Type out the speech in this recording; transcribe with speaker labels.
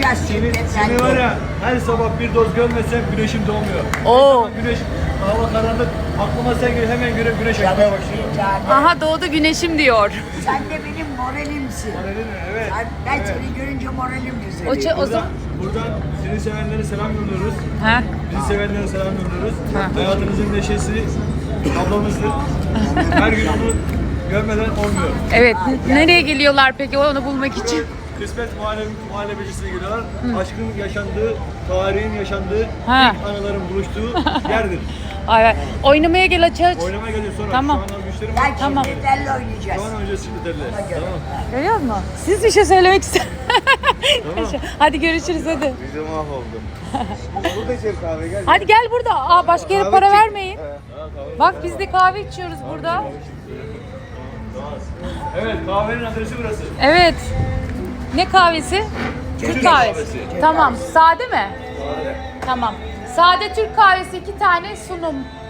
Speaker 1: Buluşacağız
Speaker 2: Seni var ya, her sabah bir doz görmesem güneşim doğmuyor.
Speaker 3: Oo.
Speaker 2: Güneş, hava karanlık, aklıma sen gel, hemen güneş yakmaya başlıyor.
Speaker 3: Aha doğdu güneşim diyor.
Speaker 1: Sen de benim moralimsin.
Speaker 2: Evet.
Speaker 1: Ben seni görünce moralim düzeliyor.
Speaker 3: O zaman...
Speaker 2: Buradan seni sevenlere selam gönderiyoruz.
Speaker 3: Ha?
Speaker 2: Bizi sevenlere selam gönderiyoruz. Hayatınızın neşesi ablamızdır. Her gün onu görmeden olmuyor.
Speaker 3: Evet. Nereye geliyorlar peki onu bulmak için?
Speaker 2: Kısmet muhallebecisine geliyorlar. Aşkın yaşandığı, tarihin yaşandığı,
Speaker 3: Ha.
Speaker 2: ilk anıların buluştuğu yerdir.
Speaker 3: Ay, oynamaya gel aç.
Speaker 2: Oynamaya geliyor sonra.
Speaker 3: Tamam.
Speaker 2: Şu an güçlerim var.
Speaker 1: Gel
Speaker 3: Tamam.
Speaker 1: çiftliklerle
Speaker 2: Şu
Speaker 1: oynayacağız.
Speaker 2: an oynayacağız çiftliklerle. Tamam.
Speaker 3: Görüyor musun? Siz bir şey söylemek ister. Hadi görüşürüz hadi.
Speaker 4: Bize mahvoldum. Burada içelim kahve gel.
Speaker 3: Hadi gel burada. Aa başka yere para
Speaker 4: çek.
Speaker 3: vermeyin. Bak biz de kahve içiyoruz burada.
Speaker 2: Evet, kahvenin adresi burası.
Speaker 3: Evet. Ne kahvesi? Türk kahvesi. Tamam. Sade mi? Tamam. Sade Türk kahvesi 2 tane sunum.